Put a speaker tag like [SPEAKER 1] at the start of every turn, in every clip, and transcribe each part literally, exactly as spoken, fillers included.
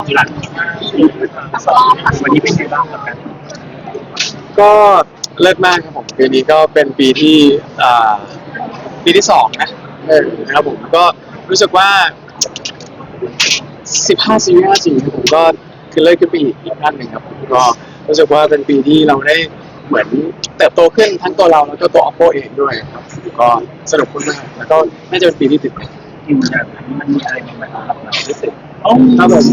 [SPEAKER 1] หลังวันนี้เป็นไงบ้างกับการ
[SPEAKER 2] ก็เลิศมากครับผมปีนี้ก็เป็นปีที่อ่าปีที่สองนะเออนะครับผมก็รู้สึกว่าสิบห้าซีรีส์ห้าจีผมก็คือเลิศขึ้นไปอีกอีกขั้นหนึ่งครับผมก็รู้สึกว่าเป็นปีที่เราได้เหมือนเติบโตขึ้นทั้งตัวเราแล้วก็ตัว Oppo เองด้วยครับก็สนุกมากแล้วก็น่าจะเป็นปีที่ติด
[SPEAKER 1] อยู่อย่างนี้มันมีอะไรใหม่ๆสำหรับเรารู้สึก
[SPEAKER 2] โอ้ครับผม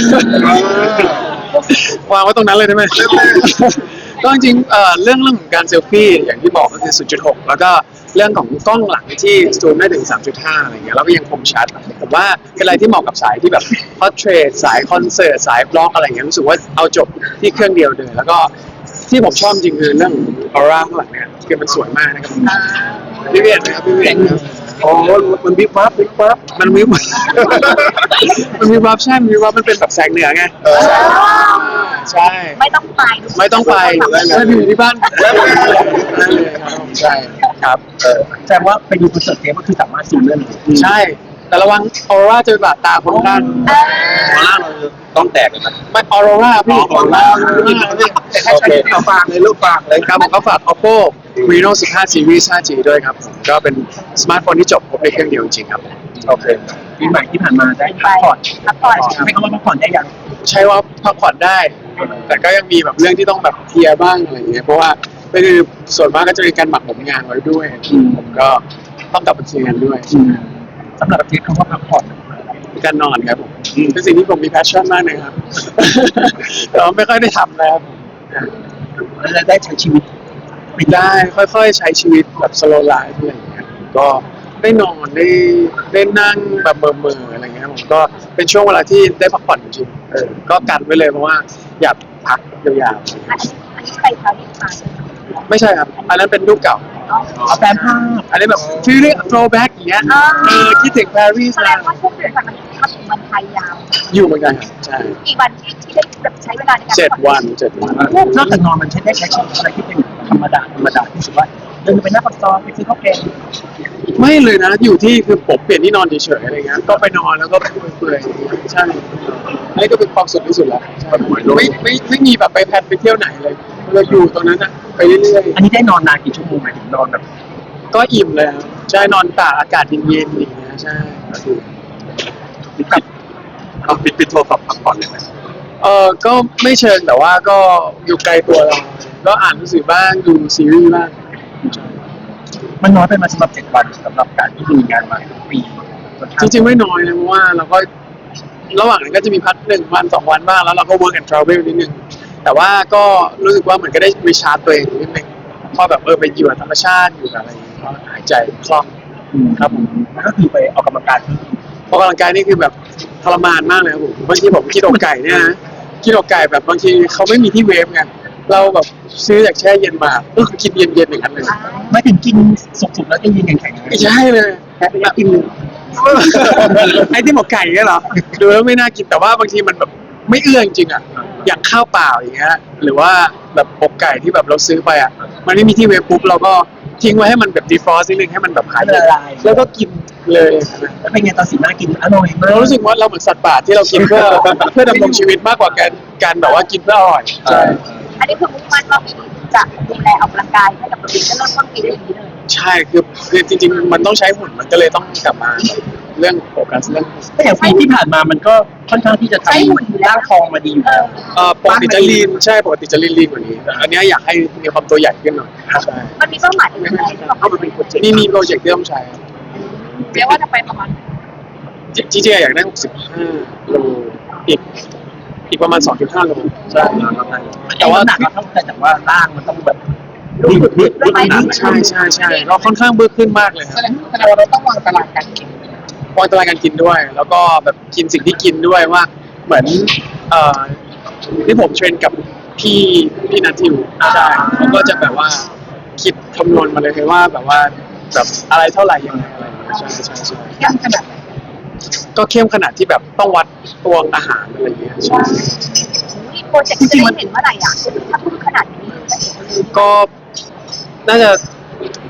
[SPEAKER 2] วางไว้ตรงนั้นเลยได้ไหมก็จริงๆเอ่อเรื่องเรื่องของการเซลฟี่อย่างที่บอกก็คือ ศูนย์จุดหก แล้วก็เรื่องของกล้องหลังที่ซูมได้ถึง สามจุดห้า อะไรเงี้ยแล้วก็ยังคมชัดผมว่าเป็นอะไรที่เหมาะกับสายที่แบบพอร์เทรตสายคอนเสิร์ตสายบล็อกอะไรเงี้ยรู้สึกว่าเอาจบที่เครื่องเดียวเลยแล้วก็ที่ผมชอบจริงคือเรื่องออร่าข้างหลังเนี่ยคือมันสวยมากนะครับพี่เวียนนะครับพี่เวียนครับ
[SPEAKER 1] โอ้มันวิบวับวิบวับ
[SPEAKER 2] มันวิบมันวิบวับใช่มันวิบวับมันเป็นแบบแสงเหนือไงใช่
[SPEAKER 3] ไม่ต้องไป
[SPEAKER 2] ไม่ต้องไปถ้าอยู่ที่บ้านนั่นเลยครับใช่ครับ
[SPEAKER 1] แสดงว่าไปดูคอนเสิร์ตเทปก็คือสามารถซูมได้เลย
[SPEAKER 2] ใช่แต่ระวังออร่าจะบาดตาคนด้าน
[SPEAKER 1] ออร่าเราต้องแตกเลยนะ
[SPEAKER 2] ไม่ออร่าพี่ออร่า
[SPEAKER 1] แต่ถ้าใช้เอาฝากเลยลูกฝากเลย
[SPEAKER 2] ครับผมก็ฝาก Oppo Reno สิบห้า Series ห้าจี ด้วยครับผมก็เป็นสมาร์ทโฟนที่จบครบในเครื่องเดียวจริงๆครับ
[SPEAKER 1] โอเคปีใหม่ที่ผ่านมาได้พักผ่อน
[SPEAKER 3] พักผ่อน
[SPEAKER 1] ให้เขาว่าพักผ่อนได้ยัง
[SPEAKER 2] ใช่ว่าพักผ่อนได้แต่ก็ยังมีแบบเรื่องที่ต้องแบบเคลียร์บ้างอะไรอย่างเงี้ยเพราะว่าก็คือส่วนมากก็จะมีการหมักหมมงานไว้ด้วยผมก็ต้องกลับไปเคลียร์งานด้วย
[SPEAKER 1] สำหรับเทปคำว่าพักผ่อน
[SPEAKER 2] การนอนครับผมเป็นสิ่งที่ผมมีแพชชั่นมากเลยครับแต่ไม่ค่อยได้ทำแล้ว
[SPEAKER 1] แล้วได้ใช้ชีวิต
[SPEAKER 2] ได้ค่อยๆใช้ชีวิตแบบสโลว์ไลฟ์อะไรอย่างเงี้ยก็ได้นอนได้ได้นั่งแบบเมื่อๆอะไรเงี้ยผมก็เป็นช่วงเวลาที่ได้พักผ่อนจริงๆเออก็กันไว้เลยเพราะว่าอยากพักยาว
[SPEAKER 3] ๆอันนี้ใครคะที่มา
[SPEAKER 2] ไม่ใช่ครับอันนั้นเป็นรูปเก่า
[SPEAKER 1] เอาแฟนภาพ
[SPEAKER 2] อันนี้แบบฟีลลิ่งโทรแบ็กอย่างเงี้ยเออคิดถึงปารีส
[SPEAKER 3] แสดงว่าช่วงเดือนกันมันมาถึงวันไทยยาว
[SPEAKER 2] อยู่เหมือนกันครับใช่
[SPEAKER 3] กี่วันที่ที่ได้แบบใช้เวลาในการ
[SPEAKER 2] เจ็ดวันเจ็ดวัน
[SPEAKER 1] นอกจากนอนมันใช้ได้ใช้ชีวิตอะไรที่เป็นธรรมดาธรรมดาที่สุดว่าเดินไปหน้าปากซอยไปซื้อข้าวแกง
[SPEAKER 2] ไม่เลยนะอยู่ที่คือผมเปลี่ยนที่นอนเฉยๆอะไรเงี้ยก็ไปนอนแล้วก็ไปเปื่อยๆใช่อันนี้ก็เป็นความสุขที่สุดแล้วไม่ไม่ไม่มีแบบไปแพลนไปเที่ยวไหนเลยเราอยู่ตรงนั้นอะไปเรื่อย
[SPEAKER 1] ๆอันนี้ได้นอนนานกี่ชั่วโมงหมายถึงนอนแบบ
[SPEAKER 2] ก็อิ่มเลยใช่นอนตากอากาศเย็นๆอย่างเงี้ยใช่
[SPEAKER 1] ปิดเอาปิดปิดโทรศัพท์พักผ่อนเลยไหม
[SPEAKER 2] เออก็ไม่เชิงแต่ว่าก็อยู่ไกลตัวเราก็อ่านหนังสือบ้างดูซีรีส์บ้าง
[SPEAKER 1] มันน้อยไปมาสำหรับเจ็ดวันสำหรับการที่มีงานมาทุกปี
[SPEAKER 2] จริงๆไม่น้อยนะเพราะว่าเราก็ระหว่างนั้นก็จะมีพักหนึ่งวันสองวันบ้างแล้วเราก็ work and travel นิดนึงแต่ว่าก็รู้สึกว่าเหมือนก็ได้รีชาร์จตัวเองนิดนึงพอแบบเออไปอยู่กับธรรมชาติอยู่กับอะไรก็หายใจคล่องครับผม
[SPEAKER 1] ก็คือไปออกกำลังกาย
[SPEAKER 2] ออกกำลังกายนี่คือแบบทรมานมากเลยครับผมบางทีผมกินอกไก่เนี่ยนะกินอกไก่แบบบางทีเขาไม่มีที่เวฟไงเราแบบซื้อจากแช่เย็นมาก็กินเย็นๆอย่างนั้นเลย
[SPEAKER 1] ไม่ถึงกินสุกๆแล้วจะเย็นแข็งๆ
[SPEAKER 2] ไม่ใช่เลย
[SPEAKER 1] แค่อยากกิน
[SPEAKER 2] ไอ้ที่หมกไก่เนี่ยเหรอดูแล้วไม่น่ากินแต่ว่าบางทีมันแบบไม่เอื้อจริงๆอ่ะอย่างข้าวเปล่าอย่างเงี้ยหรือว่าแบบอกไก่ที่แบบเราซื้อไปอ่ะมันไม่มีที่เวฟปุ๊บเราก็ทิ้งไว้ให้มันแบบดีฟรอสต์นิดนึงให้มันแบบหาย
[SPEAKER 1] ละลาย
[SPEAKER 2] แล้วก็กินเลย
[SPEAKER 1] แล้วเป็นไงตอนสีหน้ากินอร่อยมาก
[SPEAKER 2] เรารู้สึกว่าเราเหมือนสัตว์ป่าที่เรากินเพื่อเพื่อดำรงชีวิตมากกว่าการการแบบว่ากินเพื่ออร่อยใช่
[SPEAKER 3] อันนี้คือมุ่งมั่นว่าปีนี้จะดูแลออกกำลังกายให้กับตัวเองก็เริ่มต้นปีได้อย่างนี้เลย
[SPEAKER 2] ใช่คือคือจริงๆมันต้องใช้หุ่นมันก็เลยต้องกลับมาเรื่องโฟกัสเรื่อง
[SPEAKER 1] แต่อย่างปีที่ผ่านมามันก็ค่อนข้างที่จะทำร่างทองมาดีอยู่แล้ว
[SPEAKER 2] เออปกติจะลีนใช่ปกติจะลีนลีนกว่านี้แต่อันนี้อยากให้มีความตัวใหญ่ขึ้นหน่อยใช่
[SPEAKER 3] มันมีเป้าหมายอื่นไหมที่เรา
[SPEAKER 2] เป็นโปรเจกต์นี่มีโปรเจกต์ที่ต้องใช้
[SPEAKER 3] เรียกว่าจะไปประมาณ
[SPEAKER 2] จริงๆอยากได้หกสิบห้าโลอีกอีกประมาณ สองจุดห้า โลใช่
[SPEAKER 1] แต่ว่าหนักเราต้องแต่ว่าร่างมันต้องแบบ
[SPEAKER 2] บึกบึกบึกใช่ใช่ใช่เราค่อนข้างบึกขึ้นมากเลยครับ
[SPEAKER 3] แสดงว่าเราต้องวางตารางการกิน
[SPEAKER 2] วางตารางการกินด้วยแล้วก็แบบกินสิ่งที่กินด้วยว่าเหมือนเอ่อที่ผมเทรนกับพี่พี่นัททิวใช่เขาก็จะแบบว่าคิดคำนวณมาเลยว่าแบบว่าแบบอะไรเท่าไหร่ยังไงอะไรใช่ใช่ใช่
[SPEAKER 3] เข้มขนาด
[SPEAKER 2] ก็เข้มขนาดที่แบบต้องวัดตวงอาหารอะไรอย่างเงี้ยใช่
[SPEAKER 3] โปรเจกต์จะได้เห็นเมื่อไหร่อ่ะถ้าพูดขนาดนี้
[SPEAKER 2] ก็น่าจะ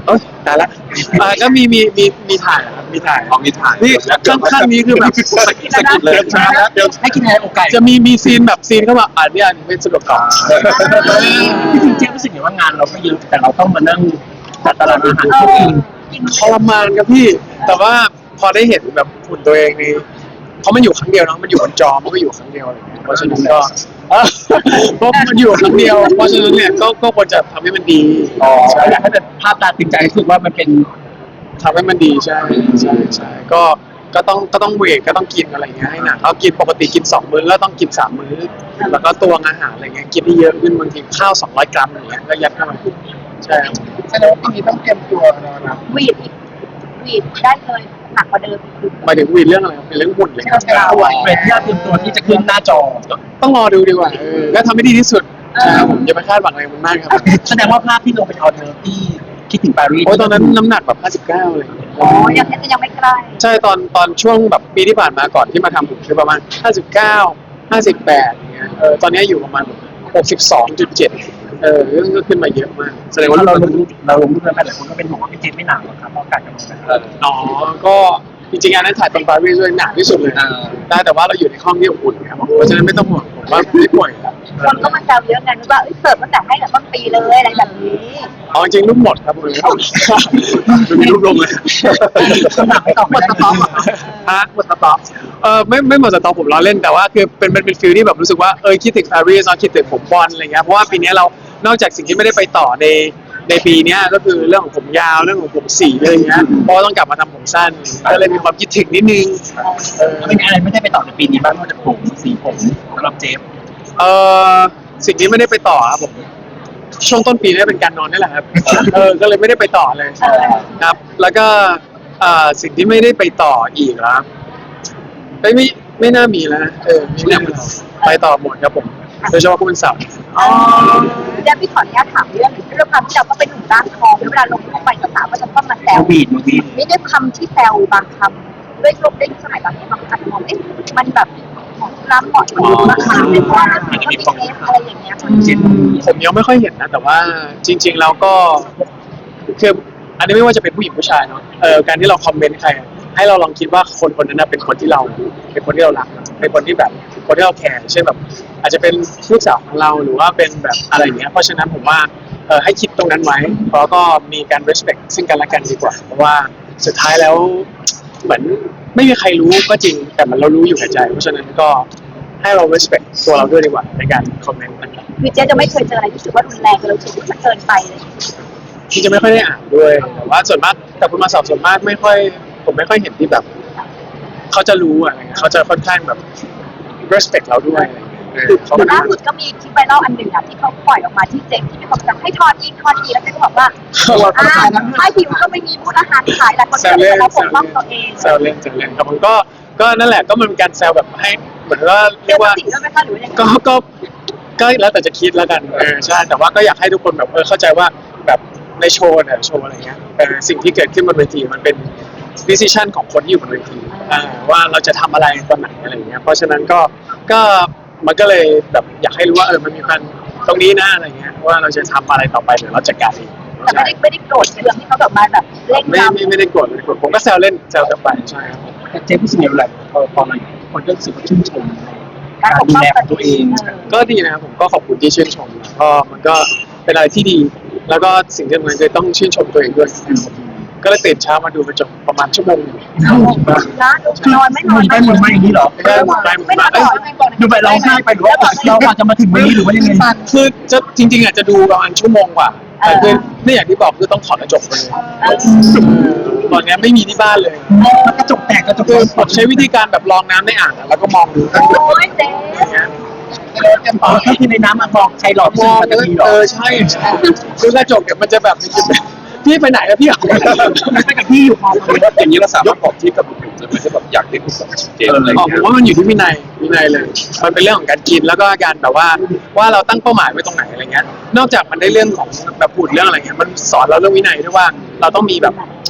[SPEAKER 2] เอ้ยตายละอ่าก็มีมีมีมีถ่ายครับมีถ่าย
[SPEAKER 4] ของมีถ่าย
[SPEAKER 2] นี่ข้างข้างนี้คือแบบ
[SPEAKER 4] สกิดสกิดเลย
[SPEAKER 1] ช้าแล้วเดี๋ยวให้กินอะไรอกไก่
[SPEAKER 2] จะมีมีซีนแบบซีนเข้ามาอ่านเนี่ยไม่สะดวกตอบ
[SPEAKER 1] พี่จริงเจ๊รู้สึกอย่างว่างานเราก็เยอะแต่เราต้องมานั่งจัดตารางอาหาร
[SPEAKER 3] เอ
[SPEAKER 1] ทุก
[SPEAKER 3] อ
[SPEAKER 1] ที
[SPEAKER 3] กิน
[SPEAKER 2] ทรมานครับพี่ แต่ว่าพอได้เห็นแบบหุ่นตัวเองนี่เพราะมันอยู่ครั้งเดียวเนาะมันอยู่บนจอมันก็อยู่ครั้งเดียวอะไรอย่างเงี้ยเพราะฉะนั้นก็เออเพราะมันอยู่ครั้งเดียวเพราะฉะนั้นเนี่ยก็ก็ควรจะทำให้มันดี
[SPEAKER 1] อ๋ออยากให้แบบภาพตาตึงใจรู้สึกว่ามันเป็น
[SPEAKER 2] ทำให้มันดีใช่ใช่ใช่ก็ก็ต้องก็ต้องเวทก็ต้องกินอะไรอย่างเงี้ยให้หนักเรากินปกติกินสองมื้อก็ต้องกินสามมื้อแล้วก็ตวงอาหารอะไรเงี้ยกินให้เยอะขึ้นบางทีข้าวสองร้อยกรัมอย่างเงี้ยก็ยัดเข้าไปใช่ครับ
[SPEAKER 4] แสดงว่าปีนี้ต้องเตรียมตัวนะ
[SPEAKER 3] วีดอีกวีดได้เลยหนักกว่าเดิมอีก
[SPEAKER 2] หมายถึงวีดเรื่องอะไรครับเป็นเรื่องหุ่นเลยครับ
[SPEAKER 1] ตัวเป็นที่เราเตรียมตัวที่จะขึ้นหน้าจอ
[SPEAKER 2] ต้องรอดูดีกว่าเออก็ทำให้ดีที่สุดใช่ครับผมอย่าไปคาดหวังอะไรมันมากครับ
[SPEAKER 1] แสดงว่าภาพที่ลงเป็นออเดอร์ที่คิดถึงปารีส
[SPEAKER 2] โอ้ยตอนนั้นน้ำหนักแบบห้าสิบเก้าเลย
[SPEAKER 3] อ๋อยังยังไม่ใกล้
[SPEAKER 2] ใช่ตอนตอนช่วงแบบปีที่ผ่านมาก่อนที่มาทำผมคือประมาณห้าสิบเก้า ห้าสิบแปดอย่างเงี้ยเออตอนนี้อยู่ประมาณหกสิบสองจุดเจ็ดเออก็ขึ้นมาเยอะมากแสดงว่า
[SPEAKER 1] เรา
[SPEAKER 2] เรา
[SPEAKER 1] ลงรูปเราลงรูปแล้วหลายคนก็เป็นห่วงว่าพี่เจนไม่หนาวหรอกครับเพราะอากาศกำลังแบบ
[SPEAKER 4] เออ
[SPEAKER 2] อ๋อก็จริงๆอันนั้นถ่ายตอนปารีสด้วยหนักที่สุดเลย
[SPEAKER 4] อ่า
[SPEAKER 2] ได้แต่ว่าเราอยู่ในห้องที่อบอุ่นครับเพราะฉะนั้นไม่ต้องห่วงผมว่าไม่ป่วยครับ
[SPEAKER 3] คนก็มาแซวเยอะไงนึกว่าเอ้ยเสิร์ฟตั้งแต่ให้แต่ต้นปีเลยอะไรแบบนี้
[SPEAKER 2] เอาจริงๆรูปหมดครับผมไม่มีรูปลงเลย
[SPEAKER 1] หนักไม่ต้อง
[SPEAKER 3] หมดสต๊อกเหรอ
[SPEAKER 2] ฮะ
[SPEAKER 1] หมดสต๊อก
[SPEAKER 2] เออไม่ไม่หมดสตอผมล้อเล่นแต่ว่าคือเป็นเป็นเป็นฟิลที่แบบรู้สึกว่าเออคิดถึงปารีสเนาะคิดถึงผมบอลอะไรเงี้ยเพราะว่าปีนี้เรานอกจากสิ่งที่ไม่ได้ไปต่อในในปีเนี้ยก็คือเรื่องของผมยาวเรื่องของผมสีอะไรเงี้ยเพราะว่าต้องกลับมาทำผมสั้นก็เลยมีความคิดถึงนิดนึงเออ
[SPEAKER 1] เป็นอะไรไม่ได้ไปต่อในปีนี้บ้างนอกจากผมสีผมสำหรับเจฟ
[SPEAKER 2] เออสิ่งที่ไม่ได้ไปต่อครับผมช่วงต้นปีนี่เป็นการนอนนี่แหละครับเออก็เลยไม่ได้ไปต่อเลย
[SPEAKER 3] เออ
[SPEAKER 2] ครับ แล้วก็เอ่อสิ่งที่ไม่ได้ไปต่ออีกแล้วไม่ไม่ไม่น่ามีแล้วนะเออไม่น่ามีแล้วไปต่อหมดครับผมโดยเฉพาะคุณสาว
[SPEAKER 3] อ๋อเดี๋ยวพี่ขออนุญาตถามเรื่องเรื่องความที่เราก็เป็นหนุ่มร่างทองเวลาลงรูปไปสาวๆก็จะต้องมาแซ
[SPEAKER 1] โคว วิดโควิด
[SPEAKER 3] ไม่ด้วยคำที่แซวบางคำด้วยยุคด้วยสมัยตอนนี้บางคำมองเอ๊ะมันแบบเหมาะล้ำเหมาะสมมากค่ะเป็นว่ามันก็มีเคสอะไรอย่างเงี้ยค่ะ
[SPEAKER 1] เจน
[SPEAKER 2] ผมยังไม่ค่อยเห็นนะ แต่ว่าจริง ๆ แล้วก็คืออันนี้ไม่ว่าจะเป็นผู้หญิงผู้ชายเนาะเออการที่เราคอมเมนต์ใครอะให้เราลองคิดว่าคนคนนั้นนะเป็นคนที่เราเป็นคนที่เรารักเป็นคนที่แบบคนที่เราแคร์เช่นแบบ อาจจะเป็นลูกสาวของเราหรือว่าเป็นแบบอะไรอย่างเงี้ยเพราะฉะนั้นผมว่าเออให้คิดตรงนั้นไว้แล้วก็มีการ respect ซึ่งกันและกันดีกว่าเพราะว่าสุดท้ายแล้วเหมือนไม่มีใครรู้ก็จริงแต่มันเรารู้อยู่ในใจ เพราะฉะนั้นก็ให้เรา respect ตัวเราด้วยดีกว่าในการคอมเมนต์นะครับ
[SPEAKER 3] คือเจ๊จะไม่เคยเจออะไรที่รู้สึกว่ารุนแรงเลยรู้สึกว่ามันเกินไปเลย
[SPEAKER 2] ที่จะไม่ค่อยได้อ่านด้วยแต่ว่าส่วนมากแต่คุณมาสอบส่วนมากไม่ค่อย ผมไม่ค่อยเห็นที่แบบเขาจะรู้อะไรเงี้ยเขาจะค่อนข้างแบบ respect เราด้วยอะไรเงี้ยเออเขาก็
[SPEAKER 3] ล่าสุดก็มีคลิปไวรัลอันหนึ่งอะที่เขาปล่อยออกมาที่เจ๊ที่มีคนสั่งให้ทอนอีกทอนอีกแล้วเจ๊ก็บอกว่าอ่าถ้าหิวก็ไม่มีพูดอาหารขายหลายคน
[SPEAKER 2] แซ
[SPEAKER 3] ก็
[SPEAKER 2] ว
[SPEAKER 3] เล
[SPEAKER 2] เล่
[SPEAKER 3] ย
[SPEAKER 2] น
[SPEAKER 3] เราป
[SPEAKER 2] แซ
[SPEAKER 3] ก
[SPEAKER 2] ว
[SPEAKER 3] ป้อง
[SPEAKER 2] เล่น
[SPEAKER 3] ตัวเอง
[SPEAKER 2] แซวเล่นแซวเล่นครับผมก็ก็นั่นแหละก็มันเป็นการแซวแบบให้เหมือนว่าเรี
[SPEAKER 3] เจ๊
[SPEAKER 2] ยกว่า
[SPEAKER 3] สิ่งด้วยไหมคะหรือว่ายังไง
[SPEAKER 2] ก็ก็ก็แล้วแต่จะคิดแล้วกันเออใช่แต่ว่าก็อยากให้ทุกคนแบบเออเข้าใจว่าแบบในโชว์เนี่ยโชว์อะไรเงี้ยเออสิ่งที่เกิดขึ้นบนเวทีมันเป็น decision ของคนที่อยู่บนเวทีอ่าว่าเราจะทำอะไรตอนไหนอะไรเงี้ยเพราะฉะนั้นก็ก็มันก็เลยแบบอยากให้รู้ว่าเออมันมีการตรงนี้นะอะไรเงี้ยว่าเราจะทำอะไรต่อไปเดี๋ยวเราจัดการเอง
[SPEAKER 3] แต่ไม่ได้ไม่ได้โกรธเคืองที่เขาแบบมาแบบเล่น
[SPEAKER 2] ไม่
[SPEAKER 3] เรา
[SPEAKER 2] ไม่ไม่ได้โกรธไม่ได้โกรธผมก็แซวเล่นแซวกันไปใช่ครับ
[SPEAKER 1] แต่เจฟรู้สึกยังไงเวลาพอพอมันคนก็รู้สึกว่าชื่นชม
[SPEAKER 3] การปกป้องตัวเอง
[SPEAKER 2] ก็ดีนะครับผมก็ขอบคุณที่ชื่นชมนะก็มันก็เป็นอะไรที่ดี แล้วก็สิ่งที่สำคัญคือต้องชื่นชมตัวเองด้วยก็เลยตื่นเช้ามาดูกระจกประมาณชั่วโมงหนึง
[SPEAKER 3] นะดูนอนไม่นอน
[SPEAKER 1] ไปหมดมาอย่างนี้เหรอ
[SPEAKER 2] ไม่ได้หมดไปหมด
[SPEAKER 3] ไม่น
[SPEAKER 2] มา
[SPEAKER 3] อน
[SPEAKER 2] เอ้ย
[SPEAKER 1] ดูไปร้องไห้ไปหรือว่าเราอาจจะมาถึงวันนี้หรือว่ายังไง
[SPEAKER 2] คือจะจริงๆอาจจะดูประมาณชั่วโมงกว่าแต่คือไม่อย่างที่บอกคือต้องถอดกระจกไปเลยตอนนี้ไม่มีที่บ้านเลย
[SPEAKER 1] กระจกแตกกระจก
[SPEAKER 2] คือผมใช้วิธีการแบบลองน้ำในอ่างอะแล้วก็มองดู
[SPEAKER 3] โอ้ยเจ๊
[SPEAKER 2] อย่างเงี้ย
[SPEAKER 1] อ๋อถ้าคือในน้ำอ่ะบอกใช้หลอด
[SPEAKER 2] มอง
[SPEAKER 1] มันจะมีหรอ
[SPEAKER 2] เออใช่ใช่คือกระจกเนี่ยมันจะแบบมันจะแบบพี่ไปไหนอะพี่
[SPEAKER 1] มันไปกับพี่อยู่พอ
[SPEAKER 4] อย่างนี้เราสามารถบอกที่กับบุคคลจะไม่ใช่แบบอยากได้คุณแบบเจนอะไร
[SPEAKER 2] อ๋อผ
[SPEAKER 4] เงี้ย
[SPEAKER 2] มว่ามันอยู่ที่วินัยวินัยเลย มันเป็นเรื่องของการกินแล้วก็การแบบว่าว่าเราตั้งเป้าหมายไว้ตรงไหนอะไรเงี้ย นอกจากมันได้เรื่องของแบบพูดเรื่องอะไรเงี้ยมันสอนเราเรื่องวินัยด้วยว่าเราต้องมีแบบ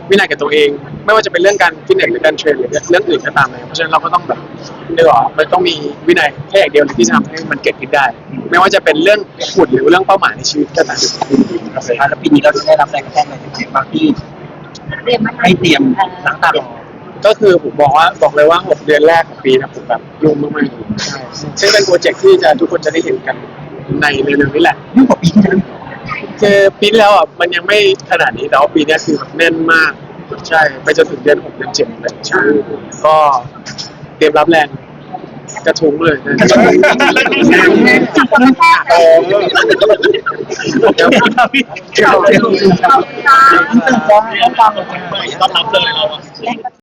[SPEAKER 2] วินัยกับตัวเอง ไม่ว่าจะเป็นเรื่องการฟิตเนสหรือการเทรนหรือเรื่องอื่นก็ตามเลยเพราะฉะนั้นเราก็ต้องแบบเนื้อมันต้องมีวินัยแค่อย่างเดียวที่จะทำให้มันเกิดขึ้นได้ ไม่ว่าจะเป็นเรื่องหุ่นหรือเรื่องเป้าหมายในชีวิตก็ตาม
[SPEAKER 1] แล้วปีนี้เราจะได้รับแรงกระแทกอะไรจากไหนบ้างที่
[SPEAKER 3] เตรียมมา
[SPEAKER 1] ให้เตรียมล้างตารอ
[SPEAKER 2] ก็คือผมบอกว่าบอกเลยว่าหกเดือนแรกของปีนะผมแบบยุ่งมากๆใช่ซึ่งเป็นโปรเจกต์ที่จะทุกคนจะได้เห็นกันในเร็วๆนี้แหละ
[SPEAKER 1] ยิ่งกว่าปีที่แล้ว
[SPEAKER 2] คือปีที่แล้วอ่ะมันยังไม่ขนาดนี้แต่ว่าปีนี้คือแบบแน่นมากใช่ไปจนถึงเดือนหกเดือนเจ็ดเลยใช่ก็เตรียมรับแรงกระทุ้งเลยนะ
[SPEAKER 3] จากคนแรก
[SPEAKER 2] เออ
[SPEAKER 1] เดี๋ยวพี่เดี๋ยวเดี๋ยว
[SPEAKER 3] เรา
[SPEAKER 1] ต้องฟังต้องรับเลยเราอะ
[SPEAKER 3] แรงกระ